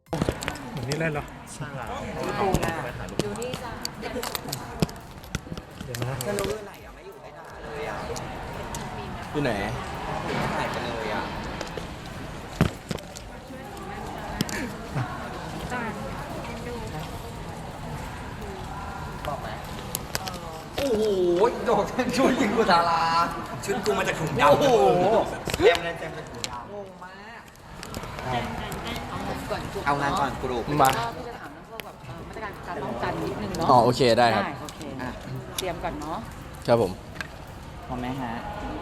เหมือนนี่เล่นเหรอใช่แล้วอยู่นี่จ้ะเดี๋ยวนะจะรู้ไหนอ่ะไม่อยู่ไม่ด่าเลยอ่ะอยู่ไหนหายไปเลยอ่ะบอกไหมโอ้โหโดดช่วยยิงกูดาราชุดกูมาจากถุงดำโอ้โหเต็มเลยเต็มเป็นถุงดำงงมากก่อนจุกเอางานก่อนกรุ๊ปมาก็พี่จะถามเรื่องพวกแบบมาตรการการป้องกันนิดนึงเนาะอ๋อโอเคได้ครับโอเคเตรียมก่อนเนาะครับผมพร้อมไหมฮะ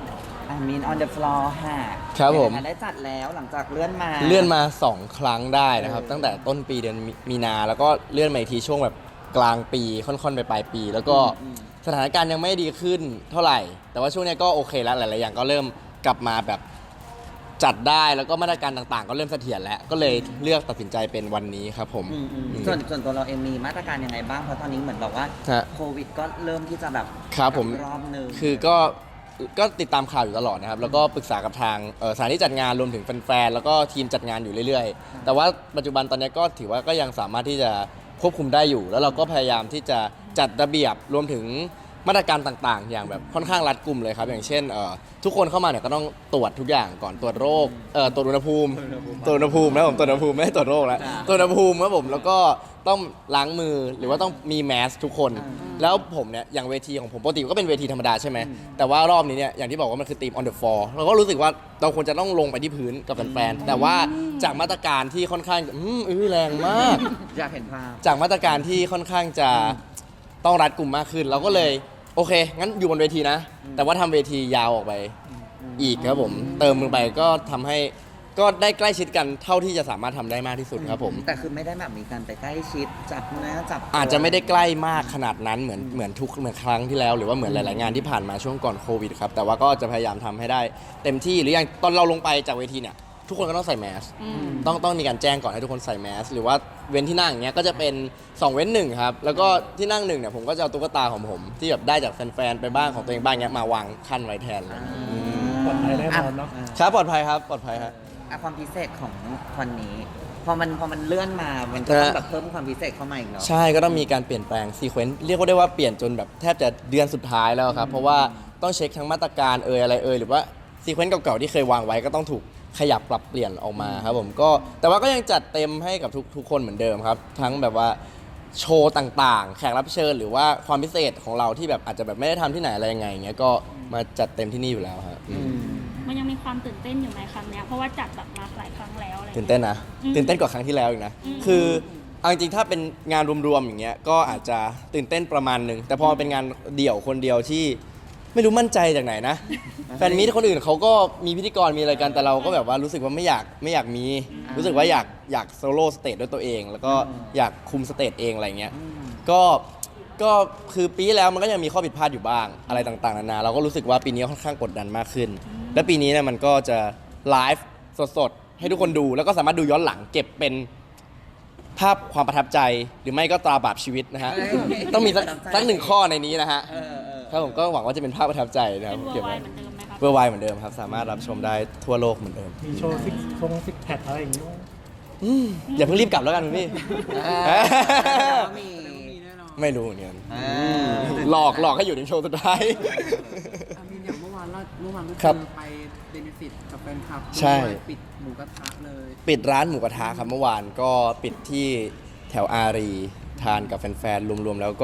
I mean on the floor ฮะครับผมได้จัดแล้วหลังจากเลื่อนมาเลื่อนมา2 ครั้งได้นะครับ ตั้งแต่ต้นปีเดือนมีนาแล้วก็เลื่อนมาอีกทีช่วงแบบกลางปีค่อนๆไปปลายปี แล้วก็สถานการณ์ยังไม่ดีขึ้นเท่าไหร่ แต่ว่าช่วงนี้ก็โอเคแล้วหลายๆอย่างก็เริ่มกลับมาแบบจัดได้แล้วก็มาตรการต่างๆ ก็เริ่มเสถียรแล้วก็เลยเลือกตัดสินใจเป็นวันนี้ครับผมส่วนตัวเราเองมีมาตรการยังไงบ้างเพราะตอนนี้เหมือนแบบว่าฮะโควิดก็เริ่มที่จะแบบครับผมรอบหนึ่งคือก็ติดตามข่าวอยู่ตลอดนะครับ แล้วก็ปรึกษากับทางสถานที่จัดงานรวมถึงแฟนๆแล้วก็ทีมจัดงานอยู่เรื่อยๆ แต่ว่าปัจจุบันตอนนี้ก็ถือว่าก็ยังสามารถที่จะควบคุมได้อยู่ แล้วเราก็พยายามที่จะจัดระเบียบรวมถึงมาตรการต่างๆ อย่างแบบค่อนข้างรัดกุมเลยครับ อย่างเช่นทุกคนเข้ามาเนี่ยก็ต้องตรวจทุกอย่างก่อนตรวจโรคตรวจอุณหภูมิตรวจอุณหภูมินะผมตรวจอุณหภูมิไม่ได้ตรวจโรคแล้วตรวจอุณหภูมิครับผมแล้วก็ต้องล้างมือหรือว่าต้องมีแมสทุกคน แล้วผมเนี่ยอย่างเวทีของผมปกติก็เป็นเวทีธรรมดาใช่ไหมแต่ว่ารอบนี้เนี่ยอย่างที่บอกว่ามันคือทีม on the floor เราก็รู้สึกว่าเราควรจะต้องลงไปที่พื้นกับแฟนๆแต่ว่าจากมาตรการที่ค่อนข้างแรงมากอยากเห็นภาพจากมาตรการที่ค่อนข้างจะต้องรัดกุมมากขึ้น เราก็เลยโอเค งั้นอยู่บนเวทีนะ แต่ว่าทำเวทียาวออกไปอีกครับผม เติมลงไปก็ทำให้ก็ได้ใกล้ชิดกันเท่าที่จะสามารถทำได้มากที่สุดครับผมแต่คือไม่ได้แบบมีการไปใกล้ชิดจับเนื้อจับตัวอาจจะไม่ได้ใกล้มากขนาดนั้นเหมือนเหมือนครั้งที่แล้ว หรือว่าเหมือนหลาย ๆ งานที่ผ่านมาช่วงก่อนโควิดครับแต่ว่าก็จะพยายามทำให้ได้เต็มที่หรืออย่างตอนเราลงไปจากเวทีเนี่ยทุกคนก็ต้องใส่แมสต้องมีการแจ้งก่อนให้ทุกคนใส่แมสหรือว่าเว้นที่นั่งอย่างเงี้ยก็จะเป็น2เว้น1ครับแล้วก็ที่นั่ง1เนี่ยผมก็จะเอาตุ๊กตาของผมที่แบบได้จากแฟน ๆ ไปบ้างของตัวเองบ้างเงี้ยมาวางขั้นไว้แทนเลยปลอดภัยแน่นอนเนาะครับปลอดภัยครับปลอดภัยครับความพิเศษของวันนี้พอมันเลื่อนมามันก็ต้องแบบเพิ่มความพิเศษเข้ามาอีกเนาะใช่ก็ต้องมีการเปลี่ยนแปลงซีเควนต์เรียกว่าได้ว่าเปลี่ยนจนแบบแทบจะเดือนสุดท้ายแล้วครับเพราะว่าต้องเช็คทั้งมาตรการอะไรหรือว่าซีเควนต์เก่าๆที่เคยวางไว้ก็ต้องถูกขยับปรับเปลี่ยนออกมาครับผมก็แต่ว่าก็ยังจัดเต็มให้กับทุกคนเหมือนเดิมครับทั้งแบบว่าโชว์ต่างๆ แขกรับเชิญหรือว่าความพิเศษของเราที่แบบอาจจะแบบไม่ได้ทำที่ไหนอะไรยังไงอย่างเงี้ยก็มาจัดเต็มที่นี่อยู่แล้วครับมันยังมีความตื่นเต้นอยู่ในครั้งเนี้ยเพราะว่าจัดแบบมาหลายครั้งแล้วอะไรตื่นเต้นนะตื่นเต้นกว่าครั้งที่แล้วอีกนะคือเอาจริงๆถ้าเป็นงานรวมๆอย่างเงี้ยก็อาจจะตื่นเต้นประมาณหนึ่งแต่พอเป็นงานเดี่ยวคนเดียวที่ไม่รู้มั่นใจจากไหนนะ แฟนมีตคนอื่นเขาก็มีพิธีกรมีอะไรกันแต่เราก็แบบว่ารู้สึกว่าไม่อยากมีรู้สึกว่าอยากโซโล่สเตจด้วยตัวเอง แล้วก็อยากคุมสเตจเองอะไรเงี้ยก็คือปีที่แล้วมันก็ยังมีข้อผิดพลาดอยู่บ้างอะไรต่างๆนานาเราก็รู้สึกว่าปีนี้ค่อนข้างกดดันมากขึ้น และปีนี้เนี่ยมันก็จะไลฟ์สดๆให้ทุกคนดูแล้วก็สามารถดูย้อนหลังเก็บเป็นภาพความประทับใจหรือไม่ก็ตราบาปชีวิตนะฮะต้องมีสักหนึ่งข้อในนี้นะฮะครับผมก็หวังว่าจะเป็นภาพประทับใจนะคเป็รับนเวอเก็บร์ไวไว้เหมือนเดิมไหมครับเวอร์ไวเหมือนเดิมครับสามารถรับชมได้ทั่วโลกเหมือนเดิมมีโชว์ซิกแพคอะไรอย่างงี้อย่าเพิ่งรีบกลับแล้วกันคุณพี่มีไม่รู้เหมือนกันหลอกให้อยู่ในโชว์สุดท้ายอามินอย่างเมื่อวานก็ครับคือไปเบเนฟิตกับแฟนคลับใช่ด้วยปิดหมูกระทะเลยปิดร้านหมูกระทะครับเมื่อวานก็ปิดที่แถวอารีทานกับแฟนๆรวมๆแล้วก็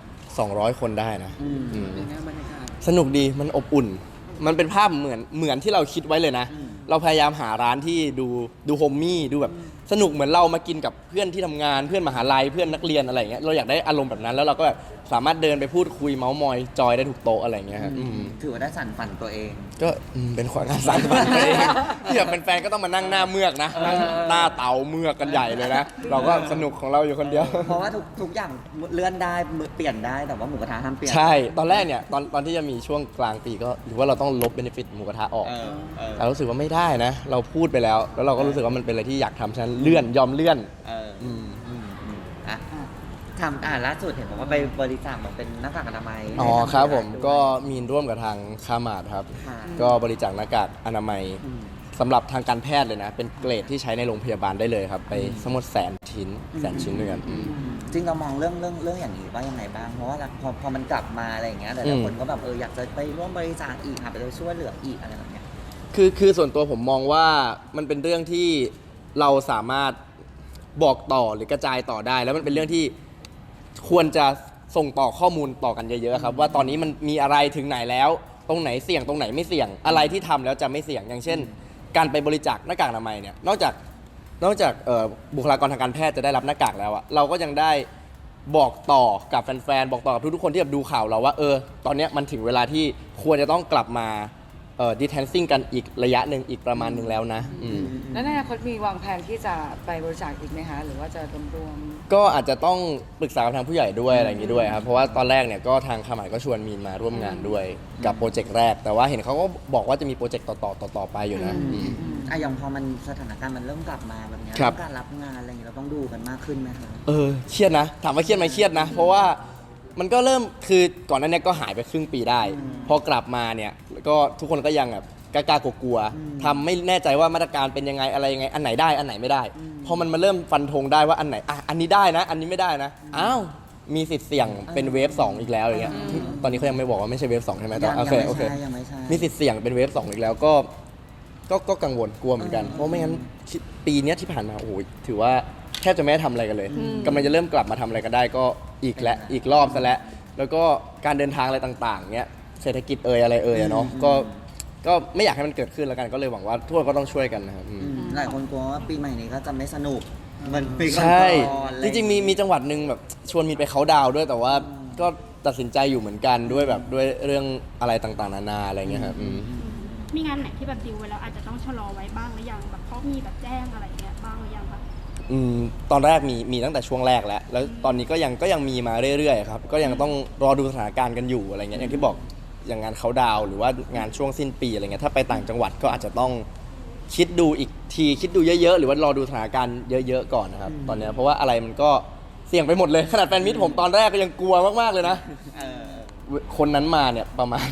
200 คนได้นะอืมเป็นไงบรรยากาศสนุกดีมันอบอุ่น มันเป็นภาพเหมือนที่เราคิดไว้เลยนะ เราพยายามหาร้านที่ดูโฮมมี่ดูแบบสนุกเหมือนเรามากินกับเพื่อนที่ทำงานเพื่อนมหาลัยเพื่อนนักเรียนอะไรอย่างเงี้ยเราอยากได้อารมณ์แบบนั้นแล้วเราก็แบบสามารถเดินไปพูดคุยเมาส์มอยจอยได้ทุกโต๊ะอะไรอย่างเงี้ยครับถือว่าได้สั่นฝันตัวเองก็เป็นความงานสร้างสรรค์เองที่แบบเป็นแฟนก็ต้องมานั่งหน้าเมือกนะนั่งหน้าเตาเมือกกันใหญ่เลยนะเราก็สนุกของเราอยู่คนเดียวเพราะว่าทุกอย่างเลื่อนได้เปลี่ยนได้แต่ว่าหมูกระทะห้ามเปลี่ยนใช่ตอนแรกเนี่ยตอนที่จะมีช่วงกลางปีก็หรือว่าเราต้องลบเบนฟิตหมูกระทะออกเรารู้สึกว่าไม่ได้นะ เราพูดไปแล้วเราก็รู้สึกว่ามันเป็นอะไรที่อยากทำฉะนั้นยอมเลื่อนอ่ะทำล่าสุดเห็นบอกว่าไปบริจาคเหมือนเป็นหน้ากากอนามัยอ๋อครับผมก็มีร่วมกับทางคามาดครับค่ะก็บริจาคหน้ากากอนามัยสำหรับทางการแพทย์เลยนะ เป็นเกรดที่ใช้ในโรงพยาบาลได้เลยครับ ไปทั้งหมด100,000 ชิ้นด้วยกันจริงเรามองเรื่องอย่างนี้ว่ายังไงบ้างเพราะว่าพอมันกลับมาอะไรอย่างเงี้ยแต่ละคนก็แบบอยากจะไปร่วมบริจาคอีกไปช่วยเหลืออีกอะไรแบบเนี้ยคือส่วนตัวผมมองว่ามันเป็นเรื่องที่เราสามารถบอกต่อหรือกระจายต่อได้ แล้วมันเป็นเรื่องที่ควรจะส่งต่อข้อมูลต่อกันเยอะๆครับว่าตอนนี้มันมีอะไรถึงไหนแล้ว ตรงไหนเสี่ยงตรงไหนไม่เสี่ยงอะไรที่ทำแล้วจะไม่เสี่ยงอย่างเช่น การไปบริจาคหน้ากากอนามัยเนี่ยนอกจากบุคลากรทางการแพทย์จะได้รับหน้ากากแล้วอะเราก็ยังได้บอกต่อกับแฟนๆบอกต่อกับทุกๆคนที่แบบดูข่าวเราว่าตอนเนี้ยมันถึงเวลาที่ควรจะต้องกลับมาdistancing กันอีกระยะหนึ่งอีกประมาณหนึ่งแล้วนะแล้วในอนาคตมีวางแผนที่จะไปบริจาคอีกไหมคะหรือว่าจะรวมก็อาจจะต้องปรึกษากับทางผู้ใหญ่ด้วยอะไรอย่างนี้ด้วยครับเพราะว่าตอนแรกเนี่ยก็ทางขมายก็ชวนมีนมาร่วมงานด้วยกับโปรเจกต์แรกแต่ว่าเห็นเขาก็บอกว่าจะมีโปรเจกต์ต่อไปอยู่นะอย่างพอมันสถานการณ์มันเริ่มกลับมาแบบนี้การรับงานอะไรอย่างนี้เราต้องดูกันมากขึ้นไหมคะเครียดนะถามว่าเครียดไหมเครียดนะเพราะว่ามันก็เริ่มคือก่อนหน้านี้ก็หายไปครึ่งปีได้พอกลับมาเนี่ยก็ทุกคนก็ยังแบบกล้ากลัวๆทำไม่แน่ใจว่ามาตรการเป็นยังไงอะไรยังไงอันไหนได้อันไหนไม่ได้พอมันมาเริ่มฟันธงได้ว่าอันไหนอันนี้ได้นะอันนี้ไม่ได้นะอ้าวมีสิทธิ์เสี่ยงเป็นเวฟ2อีกแล้วอย่างเงี้ยตอนนี้เขายังไม่บอกว่าไม่ใช่เวฟ2ใช่ไหมโอเคมีสิทธิ์เสี่ยงเป็นเวฟ2อีกแล้วก็กังวลกลัวเหมือนกันเพราะไม่งั้นปีนี้ที่ผ่านมาโอ้โหถือว่าแทบจะไม่ได้ทำอะไรกันเลยกำลังจะเริ่มกลับมาทำอะไรกันได้ก็อีกรอบซะแล้วก็การเดินทางอะไรต่างๆเงี้ยเศรษฐกิจอะไรเนาะก็ไม่อยากให้มันเกิดขึ้นแล้วกันก็เลยหวังว่าทุกคนก็ต้องช่วยกันนะครับหลายคนกลัวว่าปีใหม่นี้ก็จะไม่สนุกเหมือนปีก่อนใช่จริงๆมีจังหวัดหนึ่งแบบชวนมีไปเขาดาวด้วยแต่ว่าก็ตัดสินใจอยู่เหมือนกันด้วยแบบด้วยเรื่องอะไรต่างๆนานาอะไรเงี้ยครับมีงานไหนที่แบบดิวไว้แล้วอาจจะต้องชะลอไว้บ้างหรือยังแบบเขามีแบบแจ้งอะไรเงี้ยบ้างหรือยังคะตอนแรกมีตั้งแต่ช่วงแรกแล้วตอนนี้ก็ยังมีมาเรื่อยๆครับก็ยังต้องรอดูสถานการณ์กันอยู่อะไรเงี้ยอย่างที่บอกอย่างงานเขาดาวหรือว่างานช่วงสิ้นปีอะไรเงี้ยถ้าไปต่างจังหวัดก็อาจจะต้องคิดดูอีกทีคิดดูเยอะๆหรือว่ารอดูสถานการณ์เยอะๆก่อนนะครับตอนนี้เพราะว่าอะไรมันก็เสี่ยงไปหมดเลยขนาดแฟนมิตรผมตอนแรกก็ยังกลัวมากๆเลยนะคนนั้นมาเนี่ยประมาณ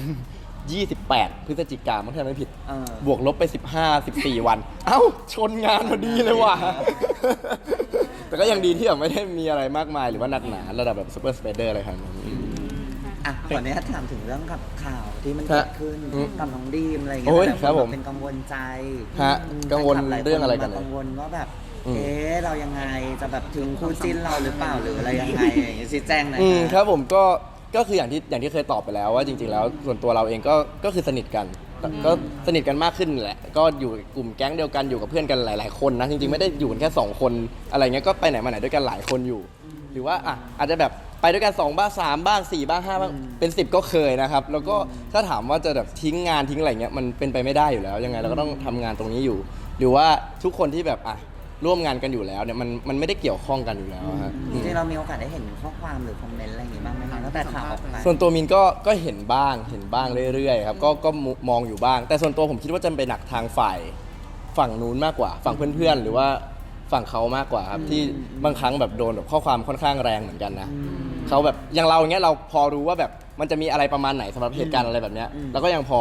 28 พฤศจิกายนถ้าไม่ผิดบวกลบไป14 วันเอ้าชนงานพอดีเลยว่ะแต่ก็ยังดีที่แบบไม่ได้มีอะไรมากมายหรือว่าหนักหนาระดับแบบซูเปอร์สเปเดอร์อะไรขนาดนั้นขออนุญาตถามถึงเรื่องกับข่าวที่มันเกิดขึ้นกับน้องดีมอะไรอย่างเงี้ยเป็นกังวลใจกังวลเรื่องอะไรกันกังวลว่าแบบเรายังไงจะแบบถึงคู่จิ้นเราหรือเปล่าหรืออะไรยังไงอย่างเงี้ยชี้แจงหน่อยครับผมก็คืออย่างที่เคยตอบไปแล้วว่าจริงๆแล้วส่วนตัวเราเองก็คือสนิทกันก็สนิทกันมากขึ้นแหละก็อยู่กลุ่มแก๊งเดียวกันอยู่กับเพื่อนกันหลายๆคนนะจริงๆไม่ได้อยู่กันแค่2คนอะไรเงี้ยก็ไปไหนมาไหนด้วยกันหลายคนอยู่หรือว่าอาจจะแบบไปด้วยกัน2บ้าง3บ้าง4บ้าง5บ้างเป็น10ก็เคยนะครับแล้วก็ถ้าถามว่าจะแบบทิ้งงานทิ้งอะไรเงี้ยมันเป็นไปไม่ได้อยู่แล้วยังไงเราก็ต้องทำงานตรงนี้อยู่หรือว่าทุกคนที่แบบร่วมงานกันอยู่แล้วเนี่ยมันไม่ได้เกี่ยวข้องกันอยู่แล้วครับจริงๆเรามีโอกาสได้เห็นข้อความหรือคอมเมนต์อะไรอย่างงี้บ้างไหมคะตั้งแต่ข่าวออกไปส่วนตัวมินก็เห็นบ้างเรื่อยๆครับก็มองอยู่บ้างแต่ส่วนตัวผมคิดว่าจะไปหนักทางฝั่งนู้นมากกว่าฝั่งเพื่อนๆหรือว่าฝั่งเขามากกว่าครับที่บางครั้งแบบโดนแบบข้อความค่อนข้างแรงเหมือนกันนะเขาแบบอย่างเราอย่างเงี้ยเราพอรู้ว่าแบบมันจะมีอะไรประมาณไหนสำหรับเหตุการณ์อะไรแบบเนี้ยแล้วก็ยังพ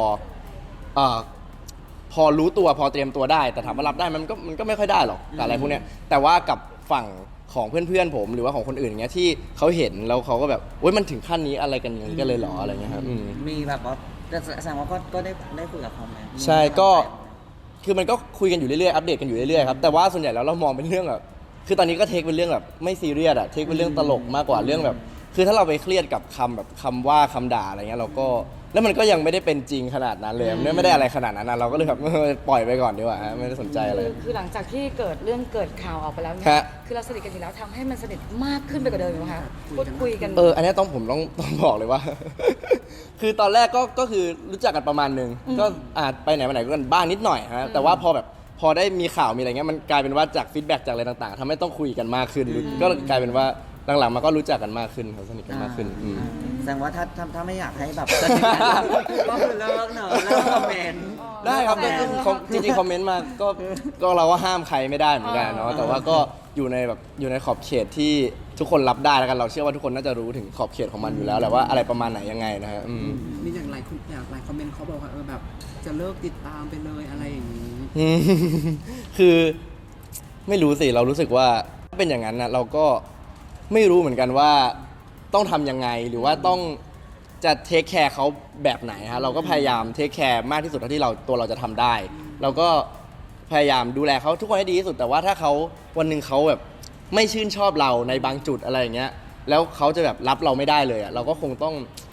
อรู้ตัวพอเตรียมตัวได้แต่ถามว่ารับได้มันก็ไม่ค่อยได้หรอกกับอะไรพวกเนี้ยแต่ว่ากับฝั่งของเพื่อนๆผมหรือว่าของคนอื่นอย่างเงี้ยที่เขาเห็นแล้วเขาก็แบบโอ๊ยมันถึงขั้นนี้อะไรกันอย่างนี้กันเลยเหรออะไรเงี้ยครับมีแบบว่าแสดงว่าก็ได้คุยกับเขาไหมใช่ก็คือมันก็คุยกันอยู่เรื่อยๆอัปเดตกันอยู่เรื่อยๆครับแต่ว่าส่วนใหญ่แล้วเรามองเป็นเรื่องแบบคือตอนนี้ก็เทคเป็นเรื่องแบบไม่ซีเรียสเทคเป็นเรื่องตลกมากกว่าเรื่องแบบคือถ้าเราไปเครียดกับคำว่าคำด่าอะไรเงี้ยเราก็แล้วมันก็ยังไม่ได้เป็นจริงขนาดนั้นเลยไม่ได้อะไรขนาดนั้นเราก็เลยแบบปล่อยไปก่อนดีกว่าไม่ได้สนใจอะไรคือหลังจากที่เกิดข่าวออกไปแล้วเนี่ยคือเราสนิทกันอยู่แล้วทำให้มันสนิทมากขึ้นไปกว่าเดิมไหมคะพูดคุยกันอันนี้ผมต้องบอกเลยว่า คือตอนแรกก็คือรู้จักกันประมาณนึงก็ไปไหนมาไหนกันบ้างนิดหน่อยฮะแต่ว่าพอได้มีข่าวมีอะไรเงี้ยมันกลายเป็นว่าจากฟีดแบ็กจากอะไรต่างๆทำให้ต้องคุยกันมากขึ้นก็กลายเป็นว่าหลังๆมาก็รู้จักกันมากขึ้นสนิทกันมากขึ้นแสดงว่าถ้าไม่อยากให้แบบสนิทกันก็คือเลิกเนอะเลิกคอมเมนต์ได้ครับจริงๆคอมเมนต์มาก็เราก็ห้ามใครไม่ได้เหมือนกันเนาะแต่ว่าก็อยู่ในขอบเขตที่ทุกคนรับได้แล้วกันเราเชื่อว่าทุกคนน่าจะรู้ถึงขอบเขตของมันอยู่แล้วแหละว่าอะไรประมาณไหนยังไงนะฮะมีอย่างหลายคอมเมนต์เขาบอกว่าแบบจะเลิกติดตามไปเลยอะไรอย่างนี้อืม คือไม่รู้สิเรารู้สึกว่าถ้าเป็นอย่างนั้นนะเราก็ไม่รู้เหมือนกันว่าต้องทำยังไงหรือว่าต้องจะเทคแคร์เขาแบบไหนฮะเราก็พยายามเทคแคร์มากที่สุดเท่าที่เราจะทำได้ เราก็พยายามดูแลเขาทุกคนให้ดีที่สุดแต่ว่าถ้าเขาวันหนึ่งเขาแบบไม่ชื่นชอบเราในบางจุดอะไรอย่างเงี้ยแล้วเขาจะแบบรับเราไม่ได้เลยอ่ะเราก็คงต้อง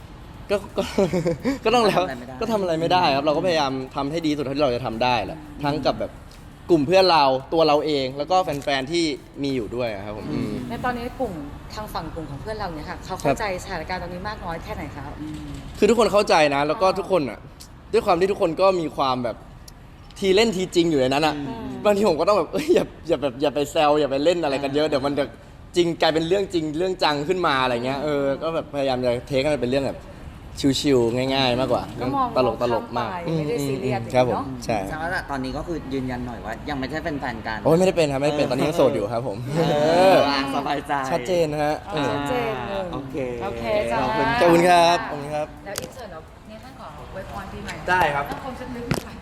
ก็ต้องแล้วก็ทำอะไรไม่ได้ครับเราก็พยายามทำให้ดีที่สุดเท่าที่เราจะทำได้แหละทั้งกับแบบกลุ่มเพื่อนเราตัวเราเองแล้วก็แฟนๆที่มีอยู่ด้วยครับผมอืมในตอนนี้กลุ่มทางฝั่งกลุ่มของเพื่อนเราเนี่ยค่ะเขาเข้าใจสถานการณ์ตอนนี้มากน้อยแค่ไหนคะคือทุกคนเข้าใจนะ แล้วก็ทุกคนอ่ะด้วยความที่ทุกคนก็มีความแบบทีเล่นทีจริงอยู่ในนั้นอ่ะบางทีผมก็ต้องแบบอย่าไปแซวอย่าไปเล่นอะไรกันเยอะเดี๋ยวมันจะจริงกลายเป็นเรื่องจริงเรื่องจังขึ้นมาอะไรเงี้ยก็แบบพยายามจะเทคให้มันเป็นเรื่องแบบชิวๆง่ายๆมากกว่าก็มองตลกมากข้ามไปไม่ได้ซีเรียสครับผมเนอะใช่แสดงว่าตอนนี้ก็คือยืนยันหน่อยว่า ยังไม่ใช่เป็นแฟนกันโอ้ยไม่ได้เป็นครับไม่ได้เป็นตอนนี้ยังโสดอยู่ครับผมสบายใจชัดเจนนะฮะชัดเจนหนึ่งโอเคโอเคจ้าขอบคุณขอบคุณครับขอบคุณครับแล้วอินเสิร์ตเราเนี่ยท่านขอไว้พรปีใหม่ได้ครับต้องคมสักนิดหน่อย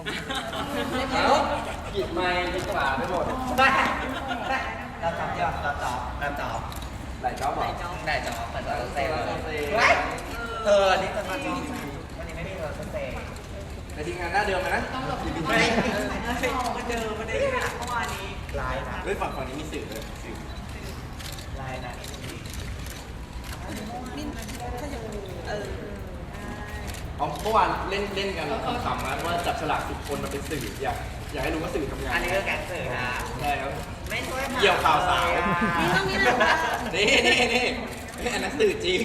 กิดไม้กิดฝาไปหมดรับจอบเดียวรับจอบรับจอบหลายจ๊อบเหรอได้จอบแต่จอบเซลเธอนี่เป็นวันจอบวันนี้ไม่มีเธอเซลในทีมงานหน้าเดิมไหมนะไม่มันเดิมมันได้ที่เมื่อวานนี้ไลน์นะด้วยฝั่งนี้มีสื่อเลยสื่อไลน์นะเอาเมื่อวานเล่นกันขำๆนะว่าจับฉลาก10 คนมาเป็นสื่ออยากให้รู้ว่าสื่อทำงานอันนี้ก็แก๊งเสือนะใช่ครับไม่ช่วยเกี่ยวข่าวสาวนี่อันนั้นสื่อจริง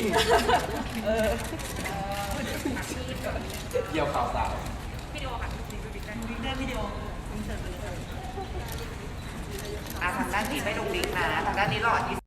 เกี่ยวข่าวสาวทางด้านนี้ไม่ลงลิงก์นะทางด้านนี้หลอด